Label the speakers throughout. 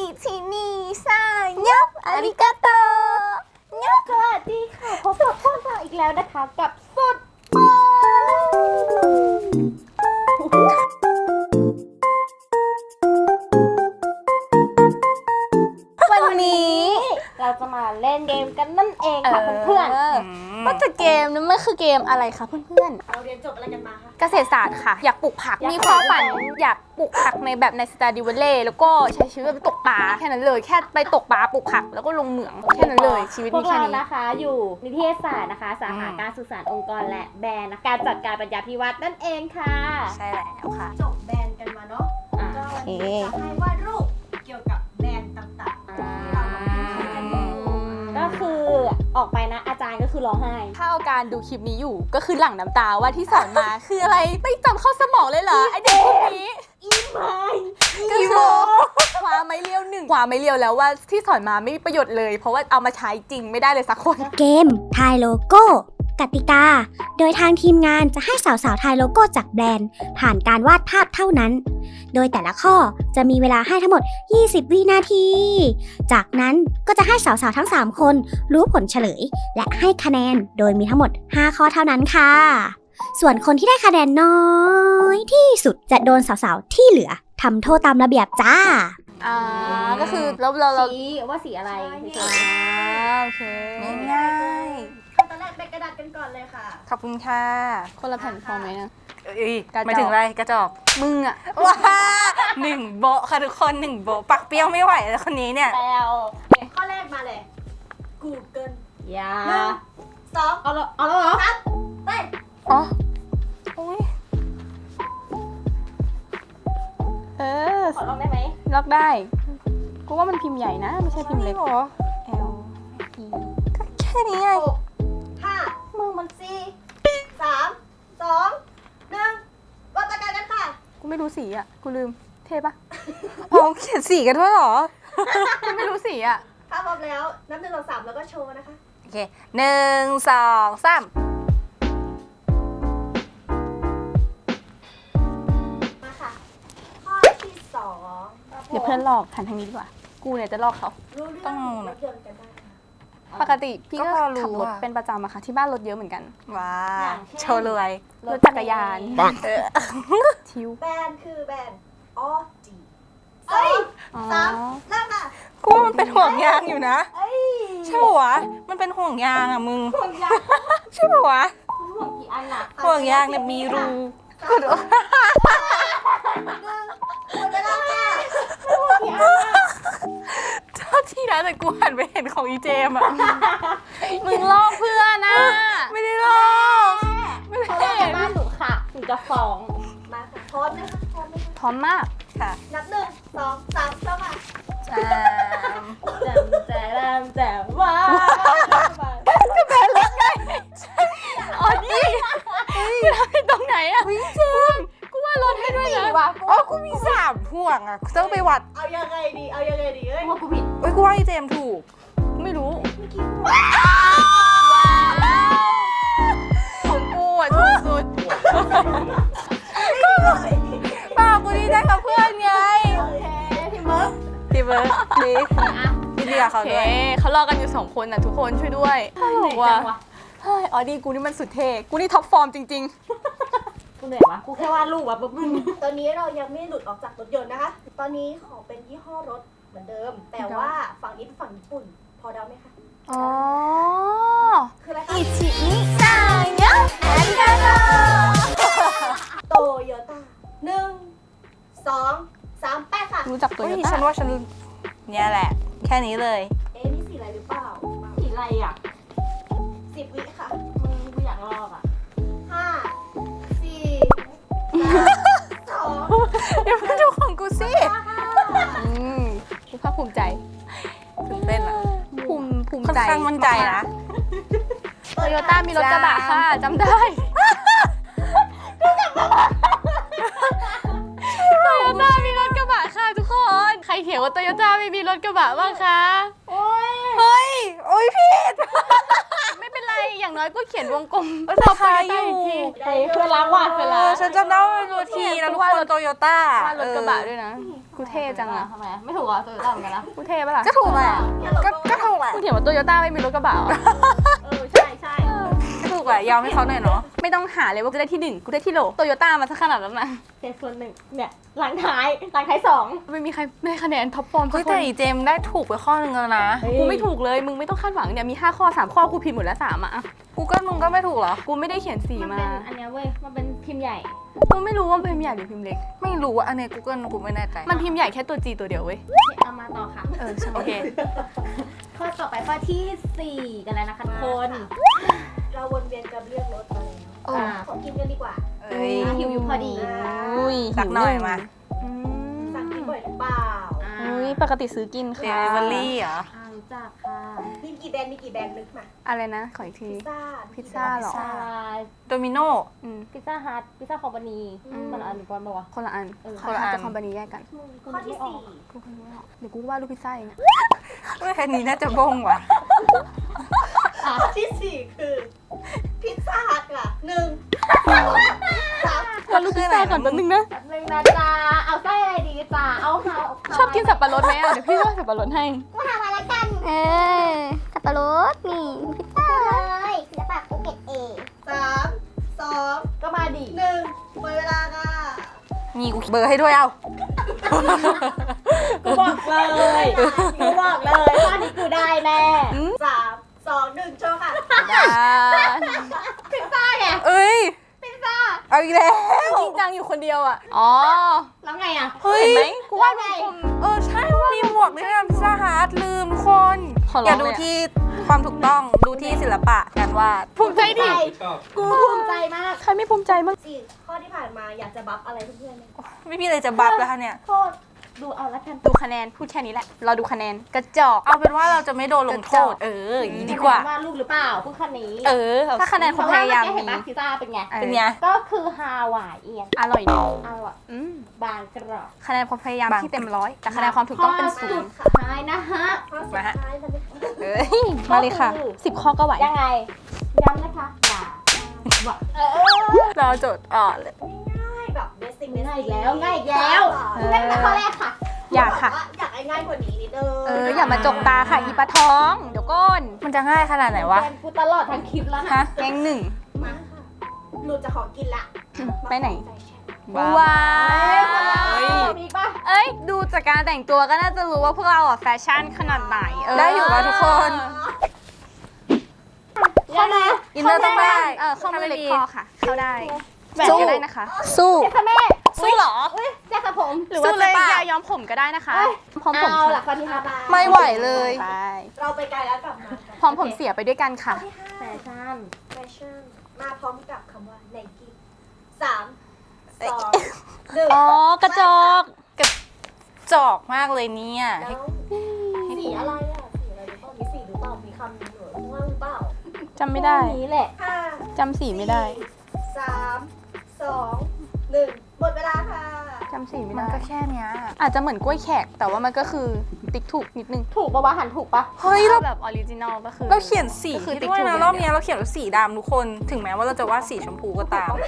Speaker 1: ชินิซายะอาริกาโต
Speaker 2: สวัสดีค่ะพบกับพวกเราอีกแล้วนะคะกับสุด
Speaker 1: วันนี้
Speaker 2: เราจะมาเล่นเกมกันนั่นเองค่ะเพื่อน
Speaker 1: ว่าแต่เกมนั้นมันคือเกมอะไรคะเพื่อน
Speaker 2: ๆเราเรียนจบอะไรกันมาคะ
Speaker 1: ๆเกษตรศาสตร์ค่ะอยากปลูกผักมีความฝันอยากปลูกผักในแบบในสตาดิวเล่แล้วก็ใช้ชีวิตไปตกปลาแค่นั้นเลยแค่ไปตกปลาปลูกผักแล้วก็ลงเหมืองแค่นั้นเลยชีวิต
Speaker 2: พว
Speaker 1: มี
Speaker 2: ก
Speaker 1: แค่
Speaker 2: เรา
Speaker 1: นี้
Speaker 2: นะคะอยู่นิเทศศาสตร์นะคะสาขาการสื่อสารองค์กรและแบรนด์นะคะการจัดการปัญญาพิวัตรนั่นเองค่ะ
Speaker 1: ใช่แล้วค่ะ
Speaker 3: จบแบรนด์กันมาเนาะก็วันนี้จะให้วาดรูปเกี่ยวกับแบรนด์ต่างๆที่เรามาพิมพ์กันอยู่
Speaker 2: ก็คือออกไปนะอาจารย์ก็คือร้องไห้
Speaker 1: ถ้าเอาการดูคลิปนี้อยู่ก็คือหลั่งน้ำตาว่าที่สอนมา คืออะไรไม่จำเข้าสมองเลยเหรอไอเด็กพวกนี้
Speaker 2: อีไม
Speaker 1: ก็คือคว้าไม้เลี้ยวหนึ่งคว้าไม้เลี้ยวแล้วว่าที่สอนมาไม่มีประโยชน์เลยเพราะว่าเอามาใช้จริงไม่ได้เลยสักคน
Speaker 4: เกมทายโลโก้กติกาโดยทางทีมงานจะให้สาวๆทายโลโก้จากแบรนด์ผ่านการวาดภาพเท่านั้นโดยแต่ละข้อจะมีเวลาให้ทั้งหมด20วินาทีจากนั้นก็จะให้สาวๆทั้ง3คนรู้ผลเฉลยและให้คะแนนโดยมีทั้งหมด5ข้อเท่านั้นค่ะส่วนคนที่ได้คะแนนน้อยที่สุดจะโดนสาวๆที่เหลือทำโทษตามระเบียบจ้า
Speaker 1: ก็คือแล้วเรา
Speaker 2: สีว่าสีอะไร
Speaker 1: โอเคง่าย
Speaker 3: ขั้นตอนแรกเป็นกระดาษกันก่อนเลยค่ะ
Speaker 1: ขอบคุณค่ะคนละแผ่นพอไหมนะ
Speaker 5: ไม่ถึงไรกระจอก
Speaker 1: มึงอะ
Speaker 5: ว้า1 โบค่ะทุกคน1 โบปักเปรี้ยวไม่ไหวแล้วคนนี้เนี่ย
Speaker 2: แล้ว
Speaker 3: ข้อแรกมาเลย Google
Speaker 2: ยา
Speaker 3: 1 2
Speaker 2: เอาแล้วเหรอ
Speaker 3: 3ไป
Speaker 1: อ๋ออุ้ย
Speaker 2: ขอลองได้ไหม
Speaker 1: ล็อกได้กูว่ามันพิมพ์ใหญ่นะไม่ใช่พิมพ์เล็ก
Speaker 5: หรอ
Speaker 1: L E ก็แค่นี้ไง
Speaker 3: 5
Speaker 2: มึงมัน
Speaker 3: 4 3 2 1วัดกันค่ะ
Speaker 1: กูไม่รู้สีอ่ะกูลืมเท่ปะ
Speaker 5: เขาเขียนสีกันด้วยเหรอ
Speaker 1: กูไม่รู้สีอ่ะ
Speaker 3: ถ้าพร้อมแล้วนับ1 2 3แล้วก็โชว์นะคะ
Speaker 5: โอเค1 2 3
Speaker 3: มาค่ะข้อที่2
Speaker 1: เดี๋ยวเพื่อนลอกหันทางนี้ดีกว่ากูเนี่ยจะลอกเขา
Speaker 3: รู้เรื่องรถยนต์กันได้
Speaker 1: ปกติพี่ก็ขับรถเป็นประจำอะค่ะที่บ้านรถเยอะเหมือนกัน
Speaker 5: ว้าโชว์รวย
Speaker 1: รถจักรยานทิว
Speaker 3: แบรนด์คือแบรนด์ออจี3เริ่มค่ะ
Speaker 5: กูว่ามันเป็นห่วงยางอยู่นะใช่ปะวะมันเป็นห่วงยางอ่ะมึงใช่ปะวะ
Speaker 2: ห่วงกี่อันอะ
Speaker 5: ห่วงยางเนี่ยมีรู
Speaker 3: กูดู
Speaker 5: เจ้าที่นะแต่กูหันไปเห็นของอีเจมอ่ะ
Speaker 1: มึงลอกเพื่อนนะ
Speaker 5: ไม่ได้ลอก
Speaker 2: ไม่ได้บ้านหนูค่ะหนูจะฟ้อง
Speaker 3: มาค่ะพร้อมไหมคะ
Speaker 1: พร้อมมาก
Speaker 5: ค่ะ
Speaker 3: นับ1 2 3เริ่มค่ะ
Speaker 2: แจมว้าว
Speaker 1: ก็แบนรถไงอ๋อนี่คือทำให้ตรงไหนอะ
Speaker 5: วิ่งเจม
Speaker 1: กูว่ารถให้ด้วยนะ
Speaker 5: อ๋อกูมี3 ห่วงอ่ะต้องไปวัด
Speaker 3: เอายังไงดีเอ้ย
Speaker 2: ว่ากูผิด
Speaker 5: กูว่าอีเจมถูก
Speaker 1: ไม่รู้ของกูอ่ะถูกสุด
Speaker 5: ป้ากูดีได้กับเพื่อนไง
Speaker 3: ทีเบิร์ก
Speaker 5: ดียินดีกับเขาด้วย
Speaker 1: เขารอกันอยู่2 คนนะทุกคนช่วยด้วยบอกว่าอ๋อดีกูนี่มันสุดเท่กูนี่ท็อปฟอร์มจริง
Speaker 2: ๆกูเหนื่อยวะกูแค่วาดรูปวะปุ๊บ
Speaker 3: ตอนนี้เรายังไม่หลุดออกจากรถยนต์นะคะตอนนี้ขอเป็นยี่ห้อรถเหมือนเดิมแต่ว่าฝั่งนี้เป็นฝั่งญี่ปุ่นพอเดาไหมคะ
Speaker 1: อ๋อ
Speaker 3: คืออะไรคะ
Speaker 1: อิชินิซายะ
Speaker 3: อาริกาโตโตโยต้า1 2 3 8ค่ะ
Speaker 1: รู้จักตัวนี้
Speaker 5: ฉันว่าฉันเนี่ยแหละแค่นี้เลย
Speaker 3: นี่สีอะไรหรือเปล่า
Speaker 2: สีอะไรอ่ะ
Speaker 3: 10 วิค่ะ
Speaker 2: มึงกูอยากลอกอ่ะ
Speaker 3: 5 4 3 2
Speaker 5: อย่าเพิ่งดูของกูสิ
Speaker 1: กูภาคภูมิใจ
Speaker 5: ตื่นเต้นอ่ะ
Speaker 1: ภูมิใจ
Speaker 5: ค่อนข้างมั่นใจนะ
Speaker 1: โตโยต้ามีรถกระบะค่ะจำได้โตโยต้ามีรถกระบะค่ะทุกคนใครเถียงว่าโตโยต้าไม่มีรถกระบะบ้างคะ
Speaker 5: เฮ้ยผิด
Speaker 1: ไม่เป็นไรอย่างน้อยก็เขียนวงกลม
Speaker 5: ราคาอยู่
Speaker 2: เพื่อนรักว่ะ
Speaker 5: ฉันจำได้ว่าดูทีแล้วทุกคนโตโยต้า
Speaker 1: ว่ารถกระบะด้วยนะกูเท่จังอะ
Speaker 2: ทำไมไม่ถูกอ่ะตัวต่างกันนะ
Speaker 1: กูเท่ปะล่ะ
Speaker 5: ก็ถูกแหละก็ถูกแหละ
Speaker 1: กูเถียงว่าโตโยต้าไม่มีรถกระบะเหรอ
Speaker 3: ใช่ใช่
Speaker 5: ก็ถูกแหละยอมให้เขาหน่อยเนาะ
Speaker 1: ไม่ต้องหาเลยว่ากูได้ที่หนึ่งกูได้ที่โหลโตโยต้ามาสักขนาดนั้นนะ
Speaker 2: เจ็ดส่วนหนึ่งเนี่ยหลังท้ายสอง
Speaker 1: ไม่มีใครได้คะแนนท็อปฟอร์ม
Speaker 5: เฮ้ยแต่อีเจมได้ถูกไปข้อนึงแล้วนะ
Speaker 1: กูไม่ถูกเลยมึงไม่ต้องคาดหวังเนี่ยมี5ข้อ3ข้อกูผิดหมดแล้ว3อ่ะ
Speaker 5: กูก็มึงก็ไม่ถูกเหรอ
Speaker 1: กูไม่ได้เขียนสี
Speaker 2: มัน
Speaker 1: มา
Speaker 2: เป็นอันเนี้ยเว้ยมันเป็นพิมพ์ใหญ่
Speaker 1: กูไม่รู้ว่าพิมพ์ใหญ่หรือพิมพ์เล็ก
Speaker 5: ไม่รู้อะอันนี้กูเกิลกูไม่แน่ใจ
Speaker 1: มันพิมพ์ใหญ่แค่ตัว G ตัวเดียวเว้ย
Speaker 2: เอามาต่อค่ะ
Speaker 1: โอเค
Speaker 2: ข้อต่อไปข้อที่ 4 กันแล้วนะคะทุกคน
Speaker 3: เราวนเวียนกันเรียกรถมาแล้ว
Speaker 1: โอ้
Speaker 3: ขอกินกันดีกว่า
Speaker 5: เอ้ย
Speaker 2: หิวอยู่พอดี
Speaker 1: อุ้ย
Speaker 5: สักหน่อยมา
Speaker 1: อืม
Speaker 3: สั่งกินบ่อยหรือเปล่า
Speaker 1: อุ้ยปกติซื้อกิน
Speaker 5: เด
Speaker 1: ค่ะ
Speaker 5: ลิเวอรี่เหรอ
Speaker 2: รู้จักค่ะ
Speaker 3: มีกี่แบรนด์นึกมา
Speaker 1: อะไรนะขออีกที
Speaker 3: พิซซ่า
Speaker 1: พิซซ่าเหรอ
Speaker 2: ซา
Speaker 5: โดมิโน
Speaker 1: อืม
Speaker 2: พิซซ่าฮัทพิซซ่าคอมพานี
Speaker 1: อืม
Speaker 2: มันอันก่อนปะวะ
Speaker 1: คนละอัน
Speaker 5: คนละอัน
Speaker 1: จะคอมพานีแยกกัน
Speaker 3: ข้อที่ 4
Speaker 1: กูก็รู้แล้วเดี๋ยวกูว่าดรูปพิซซ่าเองอะ
Speaker 5: เฮ้ยอันนี้น่าจะบงว่ะ
Speaker 3: ข้อที่ 4 คือ พิซซ่าฮัทค่ะ1 2 3
Speaker 1: วาดรูปพิซซ่าก่อนแป๊บนึงนะ
Speaker 2: แป๊บนึงนะจ๊ะเอาไส้อะไรดีจ๊ะเอาข้าว
Speaker 1: ชอบกินสับปะรดไหมอ่ะเดี๋ยวพี่ว่าสับปะรดให้
Speaker 2: กูทำอะไรกัน
Speaker 4: สับปะรดนี่พิซซ่าเลยศิลปะภูเก็ตเอ
Speaker 3: 3 2
Speaker 2: ก็มาดิ
Speaker 3: 1หมดเวลาค่ะ
Speaker 5: มีกูเบอร์ให้ด้วยเอา
Speaker 2: กูบอกเลยข้อนี้กูได้แน่
Speaker 3: 3 2 1โชว์ค่ะ
Speaker 2: พิซซ่าไง
Speaker 5: เอ้ย
Speaker 2: พิซซ่า
Speaker 5: เอาอีกแล้ว
Speaker 1: จริงจังอยู่คนเดียวอ่ะ อ๋อ
Speaker 2: แล้วไงอ่ะ
Speaker 5: เฮ้ย
Speaker 1: เห็นไหมกูว่า
Speaker 2: ไง
Speaker 5: ใช่ว่ามีหมวกด้วยนะพิซซ่าฮาร์ดลืมทุกคน
Speaker 1: ขอร้อง
Speaker 5: อย่าดู
Speaker 1: เลยอะ
Speaker 5: ที่ความถูกต้องดูที่ศิลปะการวาด
Speaker 1: ภูมิใจดิ
Speaker 2: กูภูมิใจมาก
Speaker 1: ใครไม่ภูมิใจบ้าง
Speaker 3: 4 ข้อที่ผ่านมาอยากจะบัฟอะไรเพื่อนๆไหม
Speaker 5: ไม่มีอะไรจะบัฟแล้วค่ะเนี่ย
Speaker 2: โทษดูเอาละกัน
Speaker 1: ดูคะแนนพูดแค่นี้แหละ เราดูคะแนนกระจอก
Speaker 5: เอาเป็นว่าเราจะไม่โดนลงโทษ อย่างนี้ดีกว่า
Speaker 2: ว่าลูกหรือเปล่าพูดคันนี้
Speaker 1: ถ้าคะแนนความพยายาม
Speaker 2: เพระว่
Speaker 1: มี
Speaker 2: เมื่อกี้เห็นปะพิซซ่าเป็นไง
Speaker 5: เป็นไง
Speaker 2: ก็คือฮาวายเอียน
Speaker 1: อร่อยดี
Speaker 2: อร่อย
Speaker 1: อืม
Speaker 2: บางกรอบ
Speaker 1: คะแนนความพยายาม
Speaker 5: บาง
Speaker 1: ที่เต็มร้อยแต่คะแนนความถูกต้องเป็น
Speaker 2: ข้
Speaker 1: ศู
Speaker 2: สุ
Speaker 1: น
Speaker 2: ด
Speaker 1: ย์
Speaker 2: ท้ายนะฮะ
Speaker 3: ข้อสุดท้ายมันเป็น
Speaker 5: เอ้ย
Speaker 1: มาเลยค่ะ 10 ข้อก็ไหว
Speaker 2: ยังไง ย้ำนะคะอย่า
Speaker 5: เราโจทย์อ่อนเลย
Speaker 3: ง่ายแบบเบสิก
Speaker 2: ง่ายอีกแล้วง่ายอีกแล้วงั้นแต่ข้อแรกค่ะ
Speaker 1: อยากค่ะ
Speaker 3: อยากให้ง่ายกว่านี้นิดนึง
Speaker 1: อย่ามาจกตาค่ะอีปลาท้อง เดี๋ยวก้น
Speaker 5: มันจะง่ายขนาดไหนวะ
Speaker 2: เป็นกูตลอดทั้งคลิปแล้ว
Speaker 5: ฮะ
Speaker 2: นะ
Speaker 1: แกงหนึ่ง
Speaker 3: มาค่ะหนูจะขอกินละ
Speaker 1: ไปไหน
Speaker 5: ว้าว
Speaker 1: ว้า
Speaker 2: เฮ้
Speaker 1: วย
Speaker 2: มีอีกปะ
Speaker 1: เอ้ย ดูจากการแต่งตัวก็น่าจะรู้ว่าพวกเราอ่ะแฟชั่นขนาดไหน
Speaker 5: ได้อยู่ป่ะทุกคน
Speaker 2: ข้อนะ
Speaker 5: อินเนอร์ต้องได้
Speaker 1: ข้อมือเล็กคอค่ะ เข้าได้แหว
Speaker 5: สู้
Speaker 1: นก็ได้นะคะ
Speaker 5: สู้
Speaker 2: เจ๊ค่ะแม่
Speaker 5: สู้เหรอ
Speaker 2: เจ๊ค่ะผม
Speaker 1: หรือว่า
Speaker 5: สู้เล
Speaker 1: จะ
Speaker 5: ยป่ะ
Speaker 1: ยย้อมผมก็ได้นะคะ พร้อมผม
Speaker 2: เอาล่ะข้อที่ห้า
Speaker 5: ไม่ไหวเลย
Speaker 1: ไป
Speaker 3: เราไปไกลแล้วกลับมา
Speaker 1: พร้อมผมเสียไปด้วยกันค่ะ
Speaker 3: ที่
Speaker 2: แฟชั่น
Speaker 3: 5 แฟชั่นมาพร้อมกับคำว่าไนกี้3 2
Speaker 1: อ๋อกระจก
Speaker 5: จอกมากเลยเนี่ย
Speaker 3: 1แล้วสีอะไรอ่ะสีอะไรหรือเปล่ามีสีหรือเปล่ามีคำหรือข้างล่างหรือเปล่า
Speaker 1: จำไม่ได้
Speaker 2: ข้อนี้แหละ
Speaker 3: 5
Speaker 1: จำสีไม่ได้
Speaker 3: 3 2 1หมดเวลาค่ะ
Speaker 1: จำสีไม่
Speaker 5: มัน
Speaker 1: ได้
Speaker 5: ก็แค่เนี้ย
Speaker 1: อาจจะเหมือนกล้วยแขก แต่ว่ามันก็คือติ๊กถูกนิดนึง
Speaker 2: ถูกปะวะหันถูกปะ
Speaker 5: เฮ้ยเรา
Speaker 1: แบบออริจินอลก็คือ
Speaker 5: เราเขียนสี
Speaker 1: ก็คือติ๊ก
Speaker 5: ด้วย
Speaker 1: ถูก
Speaker 5: นะ
Speaker 1: อย่าง
Speaker 5: รอบ
Speaker 1: เดียว
Speaker 5: เนี้ยเราเขียนว่าสีดำทุกคน ถึงแม้ว่าเราจะวาดสีชมพูก็ตาม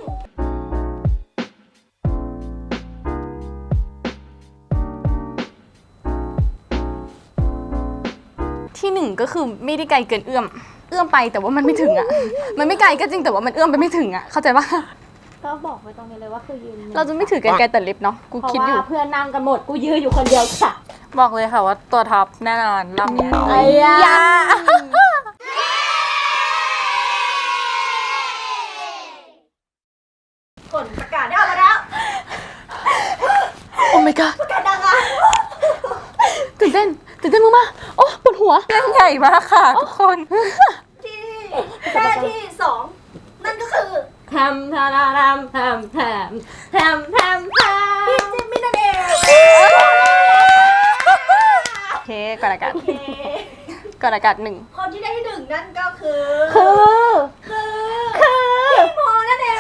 Speaker 1: ที่หนึ่งก็คือไม่ได้ไกลเกินเอื้อม เอื้อมไปแต่ว่ามันไม่ถึงอ่ะ มันไม่ไกลก็จริงแต่ว่ามันเอื้อมไปไม่ถึงอ่ะ เข้าใจปะ
Speaker 2: ก็บอกไว้ตรงนี้เลยว่าคือยืนหนึ่ง
Speaker 1: เราจะไม่ถือกันไกลแต่เล็บเนาะ กู
Speaker 2: เพราะ
Speaker 1: คิดอยู่
Speaker 2: ว่าเพื่อนนั่งกันหมดกูยืนอยู่คนเดียวค่ะ
Speaker 5: บอกเลยค่ะว่าตัวท็อปแน่นอนรอบเนี้ย
Speaker 2: ไอ้ยา
Speaker 3: ผลประกาศได้ออกมาแล้ว
Speaker 1: โอ้ my god
Speaker 3: ประกาศดังอ่ะ
Speaker 1: ตื่นเต้นมากๆโอ้ปวดหัว
Speaker 5: เรื่องใหญ่มากค่ะทุกคน
Speaker 3: ที่แค่ที่ 2 นั่นก็คือ
Speaker 2: ทำทำทำทำทำทำทำท
Speaker 3: พี่จิมมี่นั่นเอง
Speaker 1: โอเคก่อนอากาศ
Speaker 3: โอเค
Speaker 1: ก่อนอากาศหนึ่ง
Speaker 3: คนที่ได้ที่ 1 นั่นก็คือ
Speaker 2: ำคือ
Speaker 3: พี่โมนั่นเอง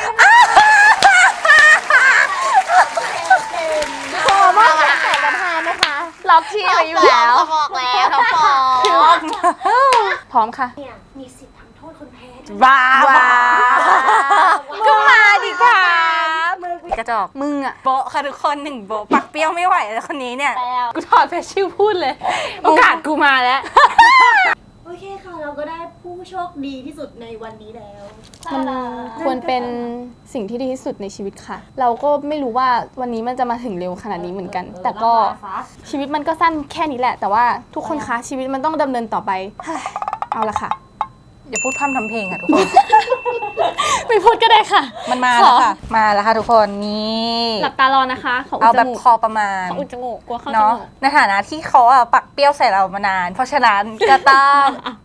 Speaker 2: พอมากแต่ประธานนะคะ
Speaker 1: ล็อกที่ไว้อยู่แล้ว
Speaker 2: บอกแล้วน้องฟอง
Speaker 1: พร้อมค่ะ
Speaker 3: เนี่ยมีสิทธิ์ทำโทษคนแพ้ด้วย
Speaker 5: ว้าว
Speaker 1: ก็มาดิค่ะ
Speaker 5: กระจอก
Speaker 1: มึงอะ
Speaker 5: โบะค่ะทุกคนหนึ่งโบะปักเปรี้ยวไม่ไหวแล้วคนนี้เนี่ย
Speaker 1: กูถอดเฟซชิลพูดเลย โอกาสกูมาแล้ว
Speaker 3: โอเคค่ะ เราก็ได้ผู้โชคดีที่สุดในวันนี้แล้ว
Speaker 1: มันควรเป็นสิ่งที่ดีที่สุดในชีวิตค่ะ เราก็ไม่รู้ว่าวันนี้มันจะมาถึงเร็วขนาดนี้เหมือนกัน แต่ก็ชีวิตมันก็สั้นแค่นี้แหละ แต่ว่าทุกคนคะชีวิตมันต้องดำเนินต่อไป เอาละค่ะ
Speaker 5: อย่าพูดพร่ำทำเพลงค่ะทุกคน
Speaker 1: ไม่พูดก็ได้ค่ะ
Speaker 5: มันมาแล้วค่ะ มาแล้วค่ะทุกคนนี่
Speaker 1: หลับตารอนะคะขออุ
Speaker 5: เอา
Speaker 1: ดจ
Speaker 5: แบบ
Speaker 1: มูก
Speaker 5: พอประมาณ
Speaker 1: ขออุดจมูกกลัวเข้าจ
Speaker 5: เนาะ
Speaker 1: มูก
Speaker 5: ในฐานะที่เขาอะปักเปรี้ยวใส่เรามานาน เพราะฉะนั้นก็ต้อง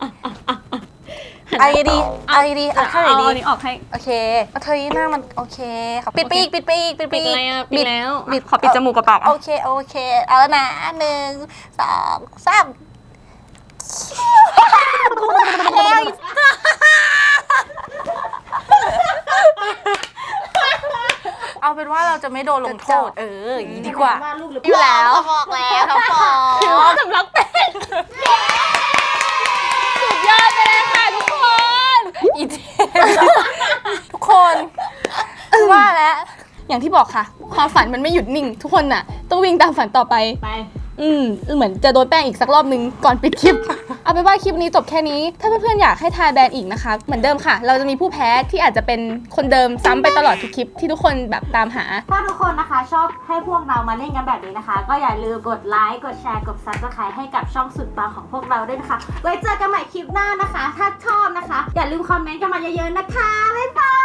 Speaker 5: เอาดีเอาดีเอาท่าไหนดี
Speaker 1: เอานี้ออกให้
Speaker 5: โอเคเอาเธอหน้ามันโอเคค่ะปิดไปอีกปิดไปอีกปิดไป
Speaker 1: ปิด
Speaker 5: อีก
Speaker 1: อะไรอะปิดแล้ว
Speaker 5: บิด
Speaker 1: ขอปิดจมูกกับปาก
Speaker 5: โอ
Speaker 1: อะ
Speaker 5: เคโอเคเอาแล้วนะ1 2 3แล้วอีกเอาเป็นว่าเราจะไม่โดนลงโทษอย่างนี้ดีกว่า
Speaker 3: ว่าลูกหรือ
Speaker 1: อยู่แล้ว
Speaker 5: บอกแล้วเขาบอก
Speaker 1: ถือว่าสำลักเป็นสุดยอดไปเลยค่ะทุกคน
Speaker 5: อีเจทุกคนว่าแล้ว
Speaker 1: อย่างที่บอกค่ะ ความฝันมันไม่หยุดนิ่ง ทุกคนน่ะ ต้องวิ่งตามฝันต่อไป
Speaker 2: ไป
Speaker 1: เหมือนจะโดนแป้งอีกสักรอบนึงก่อนปิดคลิป เอาไปนว่าคลิปนี้จบแค่นี้ ถ้าเพื่อนๆอยากให้ทายแบรนด์อีกนะคะ เหมือนเดิมค่ะ เราจะมีผู้แพ้ที่อาจจะเป็นคนเดิมซ้ำไปตลอดทุกคลิปที่ทุกคนแบบตามหา
Speaker 2: ถ้าทุกคนนะคะชอบให้พวกเรามาเล่นกันแบบนี้นะคะ ก็อย่าลืมกดไลค์กดแชร์กด Subscribe ให้กับช่องสุดปังของพวกเราด้วยนะคะ ไว้เจอกันใหม่คลิปหน้านะคะ ถ้าชอบนะคะ อย่าลืมคอมเมนต์กันมาเยอะๆนะคะ บ๊ายบาย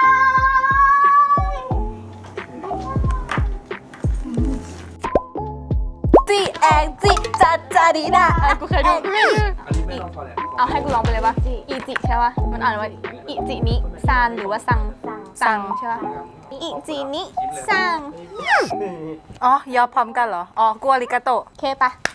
Speaker 5: จีแองจีจัดจาดีดา
Speaker 1: กูเคยดู
Speaker 6: อันนี้ไม่ต้องพอแล้ว
Speaker 1: เอาให้กูร้องไปเลยปะอีจิใช่ปะมันอ่านว่าอีจินิซานหรือว่าซังซังใช่ปะอีจินิซัง
Speaker 5: อ๋อยอมพร้อมกันเหรอ อ๋อกลัวริกาโตะ
Speaker 1: โอเคปะ